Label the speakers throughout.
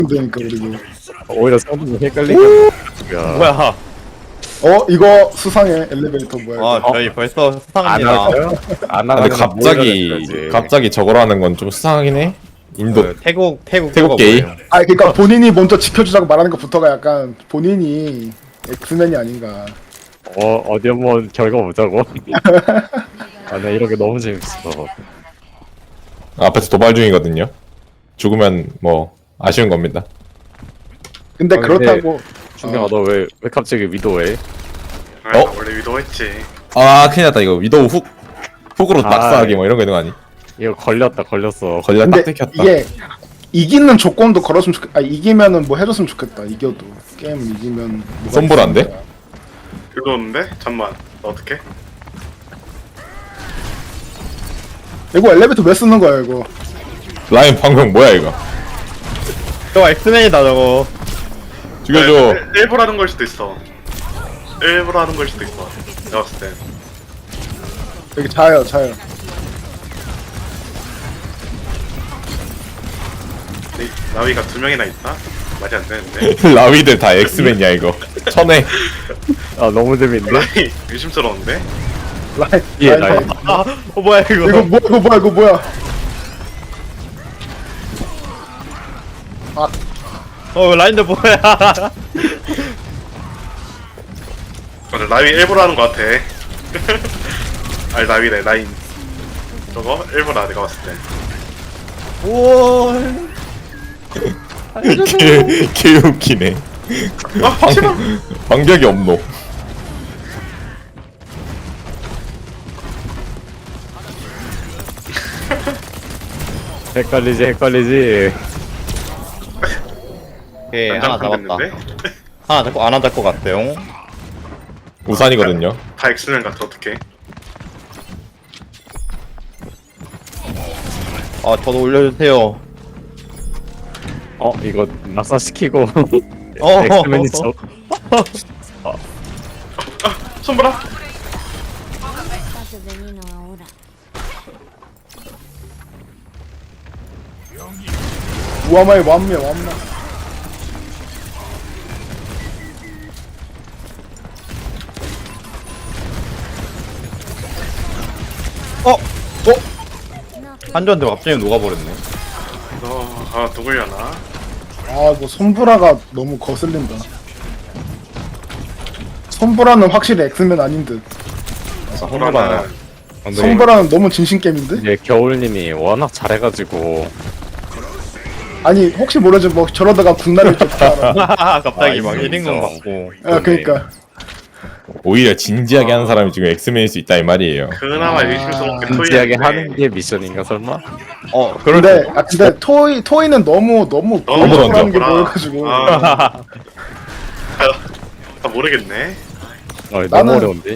Speaker 1: 되니까 그리고.
Speaker 2: 오히려 상품이 헷갈리게. 야.
Speaker 3: 뭐야?
Speaker 1: 이거 수상해. 엘리베이터 뭐야?
Speaker 3: 아
Speaker 1: 이거.
Speaker 3: 저희 벌써
Speaker 2: 안
Speaker 3: 수상합니다.
Speaker 2: 할까요? 안
Speaker 4: 아, 근데
Speaker 2: 하면
Speaker 4: 갑자기 저걸 하는 건 좀 수상하긴 해. 인도
Speaker 3: 그 태국
Speaker 4: 태국 게이?
Speaker 3: 뭐예요?
Speaker 1: 그러니까 본인이 먼저 지켜주자고 말하는 것부터가 약간 본인이 엑스맨이 아닌가.
Speaker 2: 어디 한번 결과 보자고. 아, 나 이런 게 너무 재밌어.
Speaker 4: 앞에서 도발 중이거든요. 죽으면 뭐 아쉬운 겁니다.
Speaker 1: 근데
Speaker 2: 근데
Speaker 1: 그렇다고
Speaker 2: 준경아, 너 왜 갑자기 위도해?
Speaker 5: 아,
Speaker 4: 어?
Speaker 5: 원래 위도했지.
Speaker 4: 아 큰일 났다 이거 위도우 훅으로
Speaker 2: 아,
Speaker 4: 낙사하기 뭐 이런 거 있는 거 아니?
Speaker 2: 이거 걸렸어.
Speaker 4: 걸리다 딱
Speaker 1: 근데
Speaker 4: 들켰다.
Speaker 1: 이게 이기는 조건도 걸었으면 좋겠. 이기면은 뭐 해줬으면 좋겠다. 이겨도 게임 이기면 뭐가
Speaker 4: 손보라인데?
Speaker 1: 있으니까.
Speaker 5: 위도는데? 잠만. 너 어떡해?
Speaker 1: 이거 엘리베이터 왜 쓰는 거야 이거?
Speaker 4: 라인 방금 뭐야 이거?
Speaker 3: 저거 엑스맨이다 저거.
Speaker 4: 죽여줘.
Speaker 5: 일부러 하는 걸 수도 있어. 일부러 하는 걸 수도 있어. 내가 봤을 땐.
Speaker 1: 여기 자요.
Speaker 5: 근데 이 나위가 2명이나 있다? 말이 안 되는데.
Speaker 4: 라위들 다 엑스맨이야 이거. 천에
Speaker 2: 아, 너무 재밌는데?
Speaker 5: 라위 의심스러운데?
Speaker 1: 라인.
Speaker 2: 예,
Speaker 1: 라인.
Speaker 2: 라인.
Speaker 3: 뭐야 이거?
Speaker 1: 이거 뭐야?
Speaker 3: 라인들 뭐야?
Speaker 5: 맞아, 나위 일부러 하는 거 같아. 아니, 나위래, 라인. 저거? 일부러 내가 봤을 때.
Speaker 3: 오.
Speaker 4: 개 웃기네.
Speaker 5: 아, 싫어!
Speaker 4: 방벽이 없노.
Speaker 2: 헷갈리지.
Speaker 3: 오케이 하나 잡았다.
Speaker 5: 됐는데?
Speaker 3: 하나 잡고 갔어요.
Speaker 4: 우산이거든요.
Speaker 5: 다 엑스맨 같아, 어떡해.
Speaker 3: 아 저도 올려주세요.
Speaker 2: 이거 낙사시키고.
Speaker 3: 어.
Speaker 2: 엑스맨이 저.
Speaker 5: 손보라!
Speaker 6: Paso veneno ahora.
Speaker 1: 우아마의 완매.
Speaker 3: 한조한테 갑자기 녹아버렸네.
Speaker 5: 누구려나?
Speaker 1: 이거 손브라가 너무 거슬린다. 손브라는 확실히 엑스맨 아닌 듯.
Speaker 5: 손보라는.
Speaker 1: 손브라는 너무 진심 게임인데?
Speaker 2: 이제 겨울님이 워낙 잘해가지고.
Speaker 1: 아니 혹시 모르지 뭐 저러다가 국나라를 쫓다.
Speaker 3: 갑자기 막
Speaker 2: 이거
Speaker 3: 1인공
Speaker 2: 진짜.
Speaker 3: 받고.
Speaker 1: 그러니까
Speaker 4: 오히려 진지하게 하는 사람이 지금 엑스맨일 수 있다 이 말이에요.
Speaker 5: 그나마 의심스럽게
Speaker 2: 진지하게
Speaker 5: 토이했는데.
Speaker 2: 하는 게 미션인가 설마?
Speaker 1: 근데 토이는 너무 보여주라는 게
Speaker 5: 뭐라.
Speaker 1: 보여가지고
Speaker 5: 나 모르겠네.
Speaker 2: 너무
Speaker 1: 나는-
Speaker 2: 어려운데?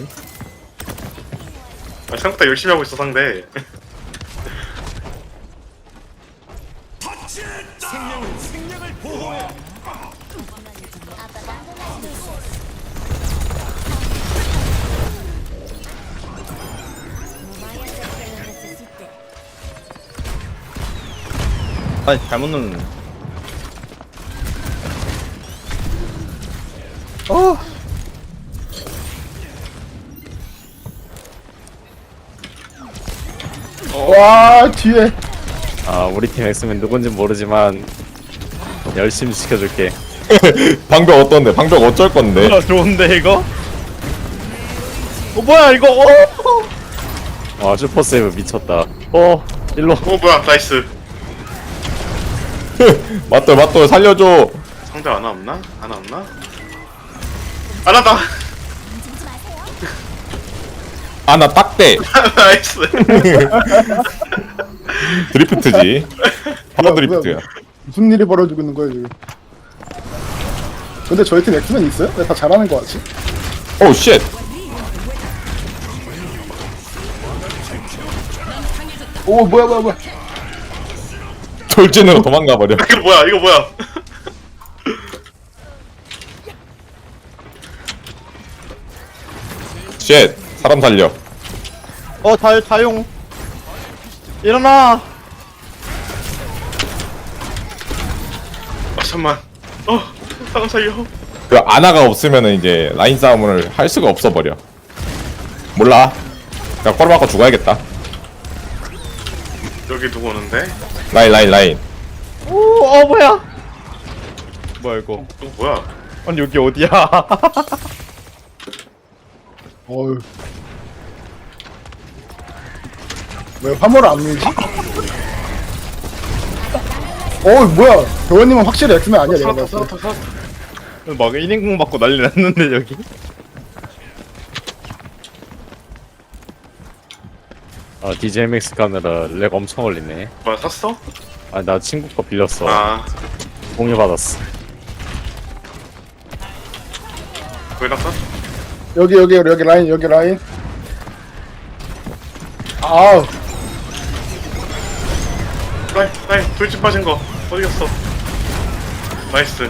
Speaker 5: 생각보다 열심히 하고 있어, 상대.
Speaker 6: No vaya a ser que lo necesite.
Speaker 3: 아니 잘못 넣는.
Speaker 1: 와 뒤에
Speaker 2: 우리 팀 엑스맨 누군지 모르지만 열심히 지켜줄게.
Speaker 4: 방벽 어떤데? 방벽 어쩔 건데?
Speaker 3: 좋은데 이거? 뭐야 이거?
Speaker 2: 슈퍼 세이브 미쳤다. 일로.
Speaker 5: 뭐야, 나이스.
Speaker 4: 맞돌 살려줘.
Speaker 5: 상대 하나 없나? 하나 없나? 안 한다!
Speaker 4: 아나 딱대.
Speaker 5: 나이스.
Speaker 4: 드리프트지. 바로
Speaker 1: 뭐야,
Speaker 4: 드리프트야.
Speaker 1: 무슨 일이 벌어지고 있는 거야 지금? 근데 저희 팀 엑스맨 있어요? 왜 다 잘하는 거 같지?
Speaker 4: 오 쉣.
Speaker 1: 오 뭐야
Speaker 4: 돌진으로 도망가 버려.
Speaker 5: 이거 뭐야.
Speaker 4: 쉣. 사람 살려.
Speaker 3: 다용. 일어나.
Speaker 5: 잠만. 사람 살려.
Speaker 4: 그 아나가 없으면은 이제 라인 싸움을 할 수가 없어 버려. 몰라. 그냥 꼬리 맞고 죽어야겠다.
Speaker 5: 여기 누구 오는데?
Speaker 4: 라인.
Speaker 3: 오, 뭐야? 뭐야 이거?
Speaker 5: 누구 뭐야?
Speaker 3: 아니 여기 어디야?
Speaker 1: 어휴. 왜 화물을 안 밀지? 어이 뭐야 교원님은 확실히 엑스맨 아니야 내가 봤을 때.
Speaker 3: 막 1인공 받고 난리 났는데 여기?
Speaker 2: 아 DJMX 카메라 렉 엄청 걸리네.
Speaker 5: 뭐야 샀어?
Speaker 2: 아 나 친구 거 빌렸어.
Speaker 5: 아
Speaker 2: 공유 받았어.
Speaker 5: 거기다 샀?
Speaker 1: 여기 라인 아우
Speaker 5: 라인 돌진 빠진 거 어디 갔어? 나이스.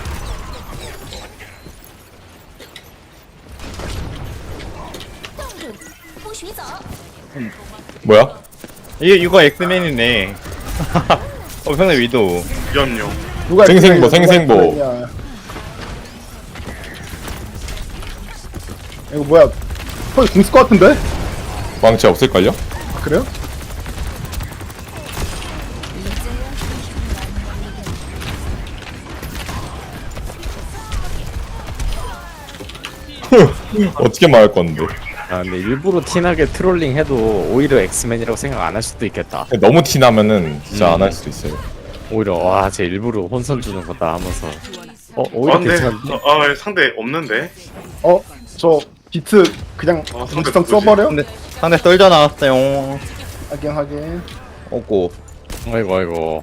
Speaker 4: 뭐야?
Speaker 3: 이거 엑스맨이네. 상대 위도우.
Speaker 5: 연료.
Speaker 1: 누가
Speaker 4: 생생보,
Speaker 1: 엑스맨이야,
Speaker 4: 생생보.
Speaker 1: 누가 엑스맨이야. 이거 뭐야 거의 궁쓸 것 같은데?
Speaker 4: 왕치 없을걸요?
Speaker 1: 아, 그래요?
Speaker 4: 어떻게 말할 건데?
Speaker 2: 아 근데 일부러 티나게 트롤링 해도 오히려 엑스맨이라고 생각 안 할 수도 있겠다.
Speaker 4: 너무 티나면은 진짜 안 할 수도 있어요.
Speaker 2: 오히려 와 쟤 일부러 혼선 주는 거다 하면서
Speaker 5: 아
Speaker 2: 오히려
Speaker 5: 근데
Speaker 2: 괜찮은데?
Speaker 5: 상대 없는데?
Speaker 1: 저 비트 그냥
Speaker 5: 상대
Speaker 1: 무지성
Speaker 5: 누구지?
Speaker 1: 써버려?
Speaker 3: 상대 썰져 나왔어요.
Speaker 1: 하긴
Speaker 3: 없고.
Speaker 2: 아이고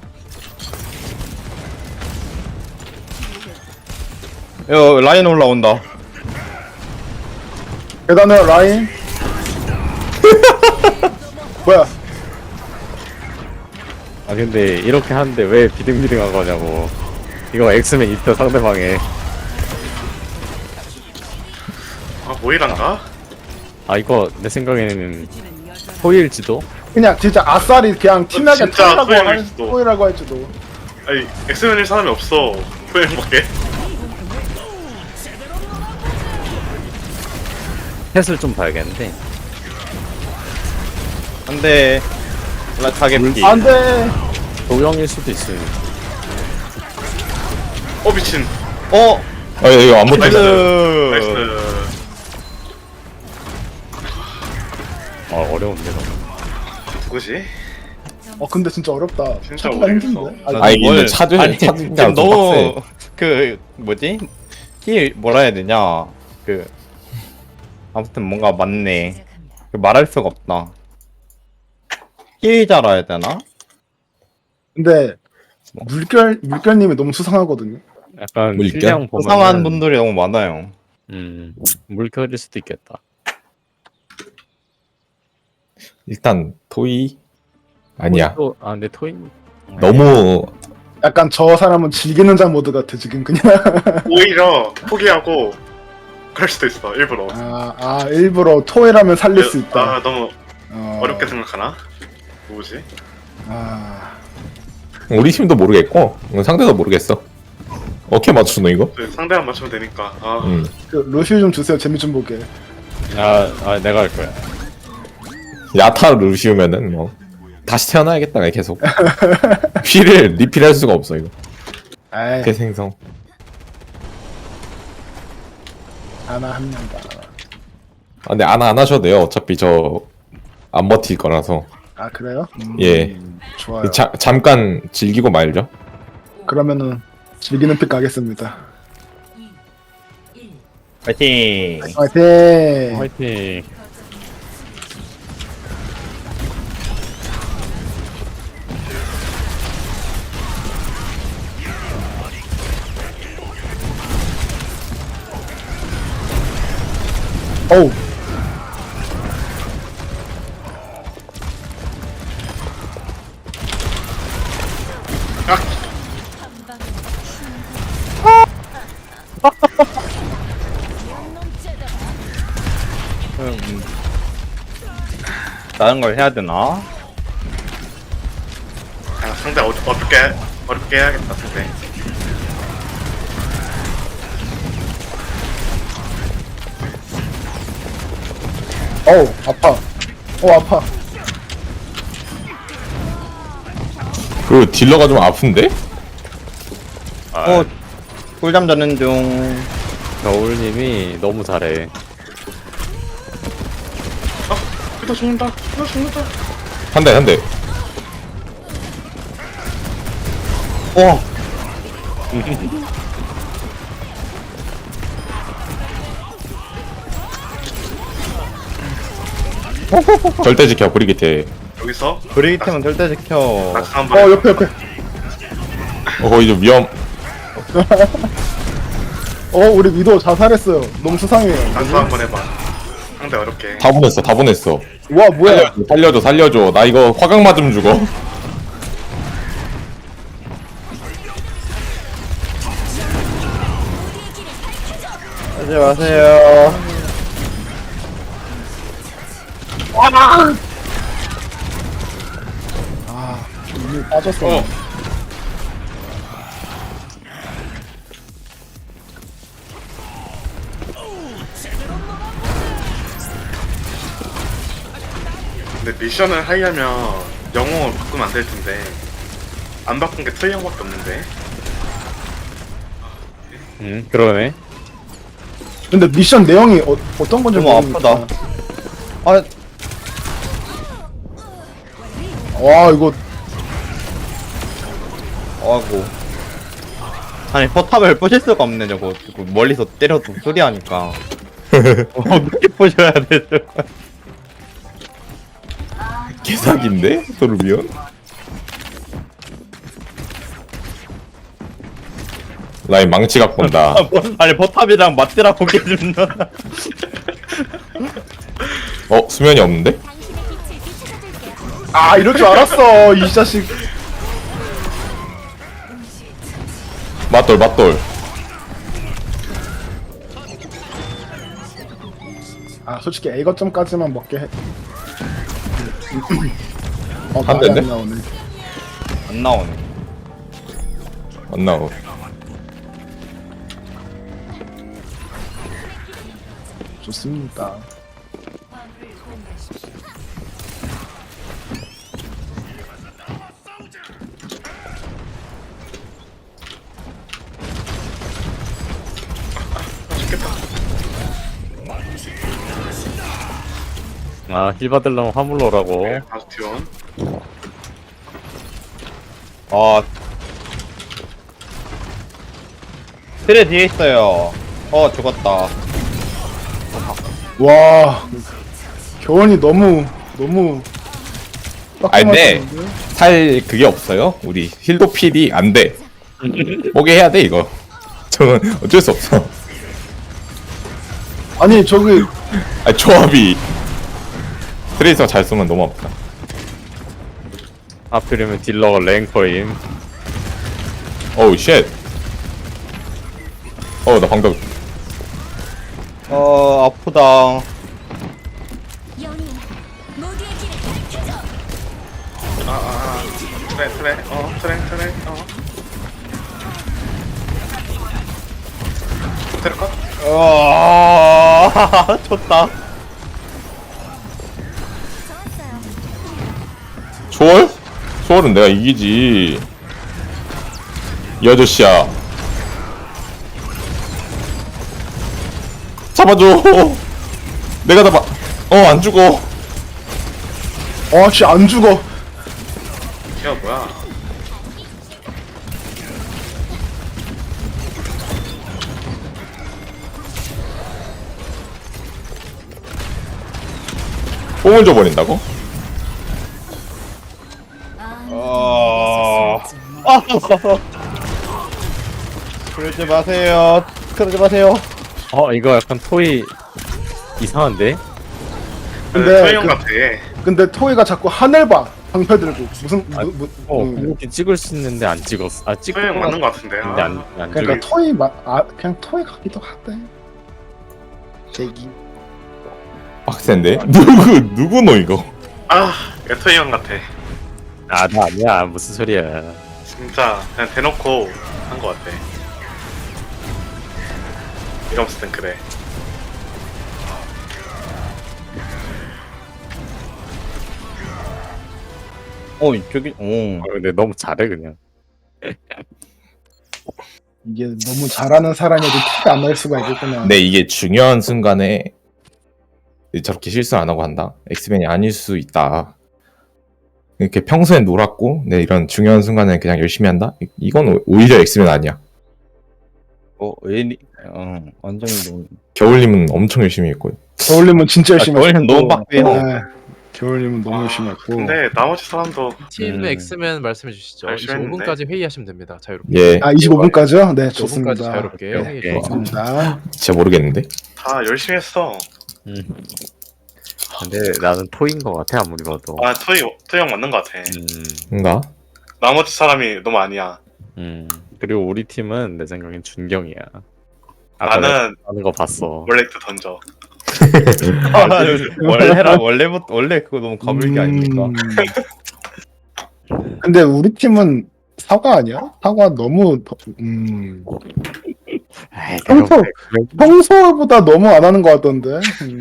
Speaker 3: 야 라인 올라온다.
Speaker 1: 계단에 라인 뭐야
Speaker 2: 아 근데 이렇게 하는데 왜 비등비등한 거냐고. 이거 엑스맨 있다 상대방에.
Speaker 5: 아 모이란가?
Speaker 2: 아 이거 내 생각에는 호일지도?
Speaker 1: 그냥 진짜 아싸리 그냥 티나게
Speaker 5: 진짜
Speaker 1: 털라고
Speaker 5: 토요일
Speaker 1: 할
Speaker 5: 수도.
Speaker 1: 토이라고 할지도.
Speaker 5: 아니 엑스맨일 사람이 없어. 토요일밖에.
Speaker 2: 햇을 좀 봐야겠는데.
Speaker 3: 안돼. 라 타겟피.
Speaker 1: 안돼.
Speaker 2: 도경일 수도 있어요.
Speaker 5: 미친.
Speaker 4: 아 이거 안
Speaker 5: 나이스.
Speaker 4: 못했어.
Speaker 5: 나이스.
Speaker 2: 아 어려운데 너무.
Speaker 5: 누구지?
Speaker 1: 근데 진짜 어렵다.
Speaker 5: 진짜
Speaker 1: 찾기가
Speaker 5: 어렵겠어.
Speaker 1: 힘든데.
Speaker 4: 아 이게 근데 찾으면
Speaker 3: 지금
Speaker 4: 좀
Speaker 3: 너무 그 뭐지? 힐 뭐라 해야 되냐? 그 아무튼 뭔가 맞네. 그 말할 수가 없다. 힐자라 해야 되나?
Speaker 1: 근데 물결님이 너무 수상하거든요.
Speaker 2: 약간
Speaker 4: 물결?
Speaker 2: 필량 보면
Speaker 3: 수상한 분들이 너무 많아요.
Speaker 2: 물결일 수도 있겠다.
Speaker 4: 일단 토이 아니야.
Speaker 2: 아 근데 토인
Speaker 4: 너무
Speaker 1: 약간 저 사람은 즐기는 자 모드 같아 지금 그냥.
Speaker 5: 오히려 포기하고 그럴 수도 있어 일부러.
Speaker 1: 일부러 토이라면 살릴 수 있다.
Speaker 5: 너무
Speaker 1: 어,
Speaker 5: 어렵게 생각하나? 누구지?
Speaker 4: 우리 팀도 모르겠고 상대도 모르겠어. 어떻게 맞추노 이거?
Speaker 5: 상대만 맞추면 되니까.
Speaker 1: 그 루시우 좀 주세요. 재미 좀 보게.
Speaker 2: 내가 할 거야.
Speaker 4: 야타 루시우면은 뭐 다시 태어나야겠다 계속. 피를 리필할 수가 없어 이거.
Speaker 1: 에이,
Speaker 4: 대생성.
Speaker 1: 하나 합니다.
Speaker 4: 근데 안 하셔도 돼요. 어차피 저 안 버틸 거라서.
Speaker 1: 아 그래요?
Speaker 4: 예.
Speaker 1: 좋아요.
Speaker 4: 잠깐 즐기고 말죠.
Speaker 1: 그러면은 즐기는 픽 가겠습니다.
Speaker 3: 파이팅.
Speaker 1: 화이팅!
Speaker 2: 화이팅.
Speaker 1: 어우.
Speaker 3: 다른 걸 해야 되나?
Speaker 5: 상대 어렵게 해야겠다 상대.
Speaker 1: 어우 아파. 아파.
Speaker 4: 그 딜러가 좀 아픈데?
Speaker 3: 어 꿀잠 자는 중.
Speaker 2: 겨울님이 너무 잘해.
Speaker 5: 그다 죽는다. 그다 죽는다.
Speaker 4: 한 대, 한 대.
Speaker 3: 와
Speaker 4: 절대 지켜, 브리기테.
Speaker 5: 여기서
Speaker 3: 브레이템은 절대 지켜.
Speaker 5: 낙사 한번.
Speaker 1: 옆에.
Speaker 4: 거기 좀 위험.
Speaker 1: 우리 위도 자살했어요. 너무 수상해요.
Speaker 5: 낙사 한번 해봐. 상대 어렵게.
Speaker 4: 다 보냈어, 다 보냈어.
Speaker 1: 와 뭐야?
Speaker 4: 살려줘, 살려줘. 나 이거 화강 맞으면 죽어.
Speaker 3: 하지 마세요.
Speaker 1: 이미 빠졌어.
Speaker 5: 근데 미션을 하려면 영웅을 바꾸면 안 될 텐데 안 바꾼 게 트레이 형밖에 없는데.
Speaker 2: 그러네.
Speaker 1: 근데 미션 내용이 어떤 건지
Speaker 3: 너무
Speaker 1: 모르니까.
Speaker 3: 아프다. 아
Speaker 1: 와 이거
Speaker 3: 아이고. 아니 포탑을 부실 수가 없네 저거. 멀리서 때려도 소리하니까. 어떻게 부셔야 돼 저거.
Speaker 4: 개사기인데? 도르비온? 라인 망치 갖고 온다.
Speaker 3: 아니 포탑이랑 맞대라고 깨집는.
Speaker 4: 수면이 없는데?
Speaker 1: 이럴 줄 알았어 이 자식.
Speaker 4: 맞돌, 맞돌.
Speaker 1: 솔직히 A 거점까지만 먹게 해.
Speaker 4: 한 대인데?
Speaker 1: 안 나오네.
Speaker 3: 안 나오네.
Speaker 4: 안 나오.
Speaker 1: 좋습니다.
Speaker 2: 힐 받으려면 화물로 오라고.
Speaker 5: 바스티온.
Speaker 3: 아 트레 뒤에 있어요. 죽었다.
Speaker 1: 와 교원이 너무
Speaker 4: 아니, 근데
Speaker 1: 빡빡하시는데?
Speaker 4: 살 그게 없어요. 우리 힐도 필이 안 돼. 뭐게 해야 돼 이거. 저는 어쩔 수 없어.
Speaker 1: 아니 저기
Speaker 4: 아니, 조합이 트레이서 잘 쏘면 너무 아프다.
Speaker 2: 하필이면 딜러가 랭커임.
Speaker 4: 어우 쉣. 나 방금
Speaker 3: 아프다.
Speaker 6: 연인 모두의 길을 밝혀줘.
Speaker 5: 트레. 트레 컷.
Speaker 3: 쳤다.
Speaker 6: 좋았어요.
Speaker 4: 초월? 초월은 내가 이기지. 이 아저씨야. 잡아줘. 내가 잡아. 안 죽어.
Speaker 1: 씨 안 죽어.
Speaker 5: 야 뭐야?
Speaker 4: 뽕을 줘버린다고?
Speaker 3: 그러지 마세요. 그러지 마세요.
Speaker 2: 이거 약간 토이 이상한데?
Speaker 1: 근데
Speaker 5: 트레이 형 같아.
Speaker 1: 근데 토이가 자꾸 하늘 봐. 방패 들고 무슨
Speaker 2: 궁극기 찍을 수 있는데 안 찍었어. 찍고
Speaker 5: 트레이 형 맞는 거 같은데.
Speaker 2: 근데 안
Speaker 1: 그러니까
Speaker 2: 찍었어.
Speaker 1: 토이 그냥 토이 같기도 하대. 제기.
Speaker 4: 빡센데? 누구 너 이거?
Speaker 5: 얘 트레이 형 같아.
Speaker 2: 나 아니야. 무슨 소리야.
Speaker 5: 진짜 그냥 대놓고 한 거 같아. 이러면서 땐 그래.
Speaker 3: 저기
Speaker 2: 근데 너무 잘해 그냥.
Speaker 1: 이게 너무 잘하는 사람이어도 티가 안 날 수가 있겠구나.
Speaker 4: 근데 이게 중요한 순간에 저렇게 실수 안 하고 한다. 엑스맨이 아닐 수 있다. 이렇게 평소엔 놀았고, 네 이런 중요한 순간에 그냥 열심히 한다. 이건 오히려 엑스맨 아니야.
Speaker 3: 완전히 너무
Speaker 4: 겨울님은 엄청 열심히 했고.
Speaker 1: 겨울님은 진짜 열심히
Speaker 3: 겨울님
Speaker 1: 했고.
Speaker 3: 너무 빡세요.
Speaker 1: 네. 겨울님은 너무 열심히 했고.
Speaker 5: 근데 나머지 사람도
Speaker 7: 팀 엑스맨 말씀해 주시죠.
Speaker 5: 열심히 했는데.
Speaker 7: 25분까지 회의하시면 됩니다. 자유롭게.
Speaker 4: 예,
Speaker 1: 아 25분까지요? 네
Speaker 7: 25분까지
Speaker 1: 좋습니다.
Speaker 7: 자유롭게
Speaker 2: 네.
Speaker 7: 회의해
Speaker 2: 네.
Speaker 7: 주세요.
Speaker 1: 좋습니다.
Speaker 4: 진짜 모르겠는데.
Speaker 5: 다 열심히 했어.
Speaker 2: 근데 나는 토인 것 같아 아무리 봐도.
Speaker 5: 아 토이 형 맞는 것 같아.
Speaker 4: 뭔가?
Speaker 5: 나머지 사람이 너무 아니야.
Speaker 2: 그리고 우리 팀은 내 생각엔 준경이야.
Speaker 5: 나는
Speaker 2: 하는 거 봤어.
Speaker 5: 몰렉트 던져.
Speaker 3: 원래 그거 너무 가불기 아닙니까?
Speaker 1: 근데 우리 팀은 사과 아니야? 사과 너무
Speaker 2: 에이,
Speaker 1: 평소
Speaker 2: 내가
Speaker 1: 평소보다 너무 안 하는 것 같던데.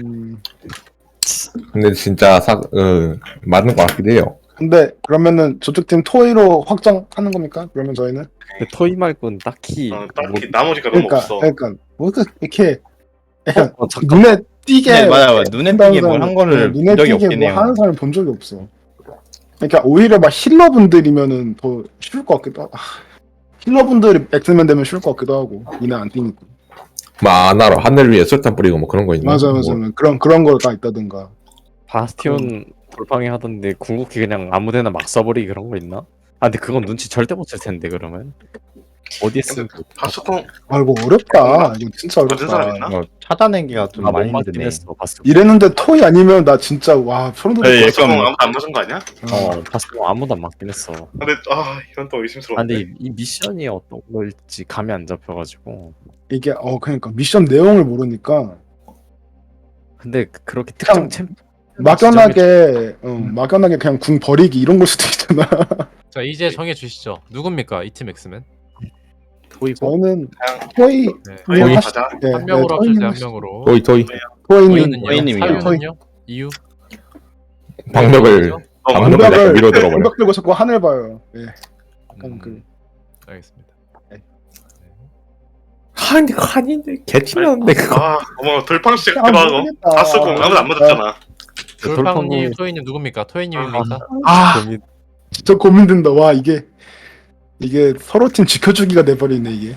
Speaker 4: 근데 진짜 맞는 것 같기도 해요.
Speaker 1: 근데 그러면은 저쪽 팀 토이로 확정하는 겁니까? 그러면 저희는
Speaker 2: 그 토이 말고는 딱히
Speaker 5: 딱히 나머지가 너무 없어.
Speaker 1: 그러니까 뭐 이렇게 약간
Speaker 2: 잠깐.
Speaker 1: 눈에 띄게
Speaker 3: 네, 맞아요. 눈에 띄게 뭘 한 거를 본
Speaker 1: 눈에
Speaker 3: 적이
Speaker 1: 띄게
Speaker 3: 없긴
Speaker 1: 뭐
Speaker 3: 해요.
Speaker 1: 하는 사람을 본 적이 없어. 그러니까 오히려 막 힐러분들이면은 더 쉬울 것 같기도 하고. 힐러분들이 엑스맨 되면 쉬울 것 같기도 하고 눈에 안 띄니까.
Speaker 4: 안 알아. 하늘 위에 술탄 뿌리고 뭐 그런 거 있나?
Speaker 1: 맞아.
Speaker 4: 뭐,
Speaker 1: 그런 거 다 있다든가.
Speaker 2: 바스티온 돌팡이 하던데 궁극기 그냥 아무데나 막 써버리기 그런 거 있나? 아 근데 그건 눈치 절대 못 챌 텐데 그러면 어디에 쓰는
Speaker 5: 바스콘
Speaker 1: 아이고 어렵다. 이거 진짜
Speaker 5: 맞은 사람
Speaker 1: 어렵다.
Speaker 5: 있나?
Speaker 3: 찾아내기가 좀 많이
Speaker 2: 못 맞긴
Speaker 3: 힘드네.
Speaker 2: 했어 바스티온.
Speaker 1: 이랬는데 토이 아니면 나 진짜 와 소름 돋을 것
Speaker 5: 바스콘
Speaker 3: 약간-
Speaker 5: 아무도 안 맞은 거 아니야?
Speaker 1: 같아.
Speaker 2: 바스티온 아무도 안 맞긴 했어.
Speaker 5: 근데 이건 또
Speaker 2: 아
Speaker 5: 의심스러운데.
Speaker 2: 근데 이 미션이 어떤 걸지 감이 안 잡혀가지고.
Speaker 1: 이게 그러니까 미션 내용을 모르니까
Speaker 2: 근데 그렇게
Speaker 1: 그냥
Speaker 2: 특정 챔
Speaker 1: 막연하게 막연하게 그냥 궁 버리기 이런 걸 수도 있잖아.
Speaker 7: 자 이제 정해 주시죠. 누굽니까 이 팀 엑스맨?
Speaker 2: 토이고
Speaker 1: 저는
Speaker 5: 그냥
Speaker 1: 토이
Speaker 7: 네.
Speaker 1: 그냥
Speaker 5: 토이
Speaker 1: 하시-
Speaker 5: 가자.
Speaker 1: 네,
Speaker 7: 한 명으로
Speaker 1: 네,
Speaker 7: 합시다. 한
Speaker 1: 토이님
Speaker 7: 명으로.
Speaker 4: 토이
Speaker 1: 토이님
Speaker 7: 토이는요?
Speaker 3: 토이님이요.
Speaker 7: 사유는요? 이유?
Speaker 4: 방벽을 방벽을
Speaker 1: 방벽을
Speaker 4: 약간 위로 들어버려.
Speaker 1: 방벽 들고 자꾸 하늘 봐요. 예. 약간 그
Speaker 7: 알겠습니다.
Speaker 4: 한인데 개튀었는데 그거.
Speaker 5: 어머 돌팡씨
Speaker 1: 아,
Speaker 5: 들어가고
Speaker 1: 모르겠다.
Speaker 5: 바스콘 아무도 안 맞았잖아.
Speaker 7: 돌팡님, 토이님 누굽니까? 토이님입니까?
Speaker 2: 고민
Speaker 1: 진짜 고민된다. 와 이게 서로 팀 지켜주기가 돼버리네 이게.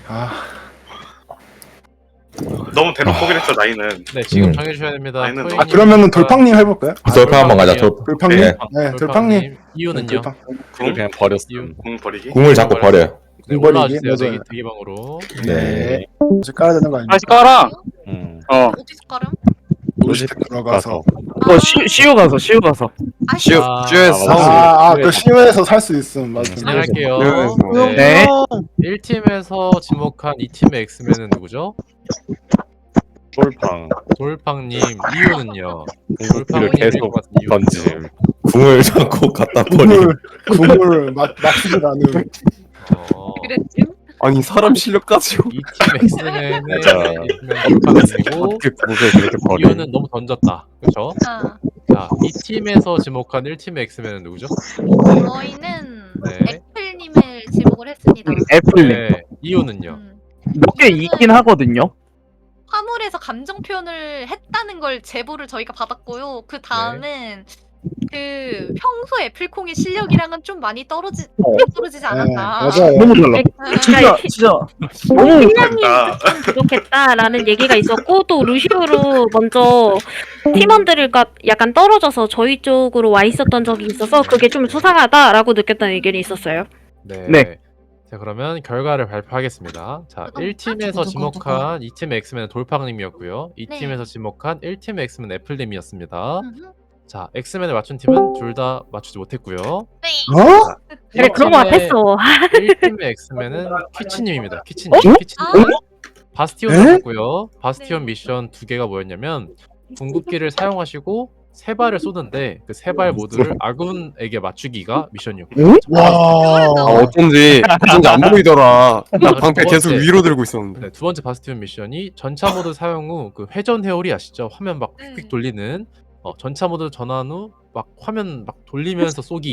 Speaker 5: 너무 대놓고 포기를 했어 나이는.
Speaker 7: 네 지금
Speaker 4: 음.
Speaker 7: 정해주셔야 됩니다.
Speaker 5: 아니는
Speaker 7: 토이님
Speaker 1: 그러면은 돌팡님 해볼까요?
Speaker 4: 돌팡 한번 가자.
Speaker 1: 돌팡님.
Speaker 4: 네.
Speaker 1: 네, 돌팡님.
Speaker 7: 이유는요?
Speaker 1: 돌팡.
Speaker 2: 그걸 그냥 버렸어.
Speaker 7: 이유.
Speaker 5: 공 버리기.
Speaker 4: 궁을 자꾸 버려요.
Speaker 7: 네,
Speaker 1: 이번에
Speaker 7: 올라와
Speaker 1: 이게
Speaker 7: 주세요.
Speaker 1: 맞아요.
Speaker 7: 대기방으로.
Speaker 4: 네.
Speaker 1: 이제 깔아야 되는 거 아닙니까?
Speaker 8: 다시 깔아.
Speaker 6: 어디서 깔음?
Speaker 1: 로지텍 들어가서.
Speaker 8: 시우 가서 시우 가서.
Speaker 7: 시우.
Speaker 1: 그 시외에서 살 수 있음. 맞아.
Speaker 7: 진행할게요.
Speaker 8: 네.
Speaker 7: 네. 1팀에서 지목한 2팀의 엑스맨은 누구죠?
Speaker 2: 돌팡
Speaker 7: 돌팡님. 이유는요?
Speaker 2: 궁극기를
Speaker 7: 돌팡님일
Speaker 2: 계속
Speaker 7: 것 같은 이유.
Speaker 2: 던짐.
Speaker 4: 궁을 자꾸 갖다 버리고.
Speaker 1: 국물 맞추지 않은.
Speaker 6: 그랬지?
Speaker 8: 아니 사람 실력 가지고.
Speaker 7: 2팀 엑스맨은
Speaker 2: 맞아.
Speaker 7: 돌팡님이고
Speaker 2: 어떻게 궁극을 그렇게 버려?
Speaker 7: 이유는 너무 던졌다. 그렇죠?
Speaker 6: 아,
Speaker 7: 자, 2팀에서 지목한 1팀의 엑스맨은 누구죠?
Speaker 6: 저희는
Speaker 7: 네.
Speaker 6: 애플님을 지목을 했습니다.
Speaker 8: 애플님
Speaker 7: 네. 이유는요?
Speaker 8: 몇 개 있긴 하거든요.
Speaker 6: 화물에서 감정 표현을 했다는 걸 제보를 저희가 받았고요. 그 다음은 그 평소 애플콩의 실력이랑은 좀 많이 떨어지지 않았나.
Speaker 1: 맞아요.
Speaker 8: 너무 달라.
Speaker 9: 그러니까
Speaker 8: 진짜
Speaker 9: 너무
Speaker 5: 됐다.
Speaker 9: 실력이 좀 부족했다라는 얘기가 있었고 또 루시오로 먼저 팀원들과 약간 떨어져서 저희 쪽으로 와 있었던 적이 있어서 그게 좀 수상하다라고 느꼈다는 의견이 있었어요.
Speaker 7: 네.
Speaker 8: 네.
Speaker 7: 자, 그러면 결과를 발표하겠습니다. 자,
Speaker 6: 누구?
Speaker 7: 1팀에서
Speaker 6: 누구?
Speaker 7: 지목한 2팀의 엑스맨은 돌팡님이었고요.
Speaker 6: 네.
Speaker 7: 2팀에서 지목한 1팀의 엑스맨 애플님이었습니다.
Speaker 6: 음흠.
Speaker 7: 자, 엑스맨을 맞춘 팀은 둘 다 맞추지 못했고요.
Speaker 6: 네.
Speaker 9: 그래 그런 거 같았어.
Speaker 7: 1팀의 엑스맨은 퀴치님입니다. 퀴치님. 퀴치님. 바스티온
Speaker 1: 에?
Speaker 7: 맞았고요. 바스티온
Speaker 6: 네.
Speaker 7: 미션 두 개가 뭐였냐면 궁극기를 사용하시고 세 발을 쏘는데 그 세 발 모두를 아군에게 맞추기가 미션이었고요.
Speaker 1: 와.
Speaker 8: 어쩐지 안 보이더라. 나 방패
Speaker 7: 두
Speaker 8: 계속
Speaker 7: 번째.
Speaker 8: 위로 들고 있었는데.
Speaker 7: 네, 두 번째 바스티온 미션이 전차 모드 사용 후 그 회전 회오리 아시죠? 화면 막 휙휙
Speaker 6: 네.
Speaker 7: 돌리는 전차 모드 전환 후 막 화면 막 돌리면서 쏘기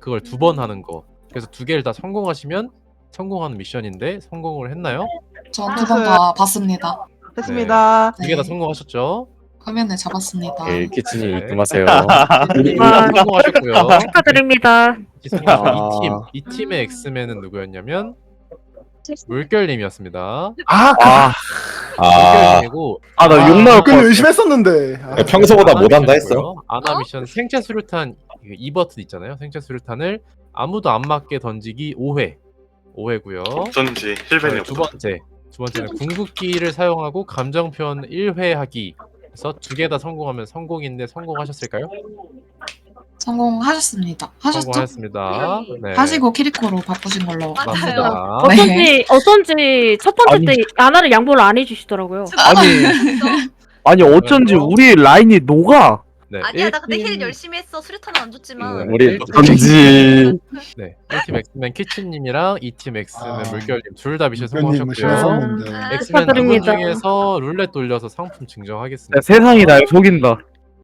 Speaker 7: 그걸 2번 하는 거. 그래서 2개를 다 성공하시면 성공하는 미션인데 성공을 했나요?
Speaker 10: 전 2번 다 봤습니다.
Speaker 7: 했습니다. 2개 다
Speaker 10: 네.
Speaker 7: 성공하셨죠?
Speaker 10: 화면을 잡았습니다.
Speaker 2: 일키치님
Speaker 7: 네.
Speaker 2: 입금하세요.
Speaker 9: 아,
Speaker 7: 성공하셨고요.
Speaker 9: 축하드립니다.
Speaker 7: 이 팀의 엑스맨은 누구였냐면 물결님이었습니다.
Speaker 4: 아,
Speaker 7: 물결님이고
Speaker 8: 나 욕 나올 것
Speaker 1: 근데
Speaker 8: 같아.
Speaker 1: 열심히 했었는데. 아,
Speaker 4: 평소보다
Speaker 7: 아나
Speaker 4: 못한다
Speaker 7: 미션이고요.
Speaker 4: 했어.
Speaker 7: 아나 미션 생체 수류탄 2버튼 있잖아요. 생체 수류탄을 아무도 안 맞게 던지기 5회고요.
Speaker 5: 어쩐지 힐벤이
Speaker 7: 두
Speaker 5: 없어.
Speaker 7: 번째는 궁극기를 사용하고 감정 표현 1회 하기. 그래서 2개 다 성공하면 성공인데 성공하셨을까요?
Speaker 10: 성공하셨습니다. 하셨죠?
Speaker 7: 성공하셨습니다. 네.
Speaker 10: 하시고 키리코로 바꾸신 걸로.
Speaker 7: 맞습니다.
Speaker 9: 어쩐지 첫 번째
Speaker 8: 아니.
Speaker 9: 때 아나를 양보를 안 해주시더라고요.
Speaker 8: 아니 어쩐지 우리 라인이 녹아.
Speaker 7: 네.
Speaker 6: 아니야 나 근데 힐
Speaker 7: 1팀
Speaker 6: 열심히 했어. 수류탄은 안 줬지만.
Speaker 2: 우리
Speaker 8: 어쩐지.
Speaker 7: 네. 1팀 엑스맨 키친님이랑 2팀 엑스맨 물결님 둘 다 미션
Speaker 1: 물결님은
Speaker 7: 성공하셨고요.
Speaker 1: 실수했는데.
Speaker 7: 엑스맨 두 분
Speaker 9: 축하드립니다.
Speaker 7: 중에서 룰렛 돌려서 상품 증정하겠습니다.
Speaker 8: 세상이 날 속인다.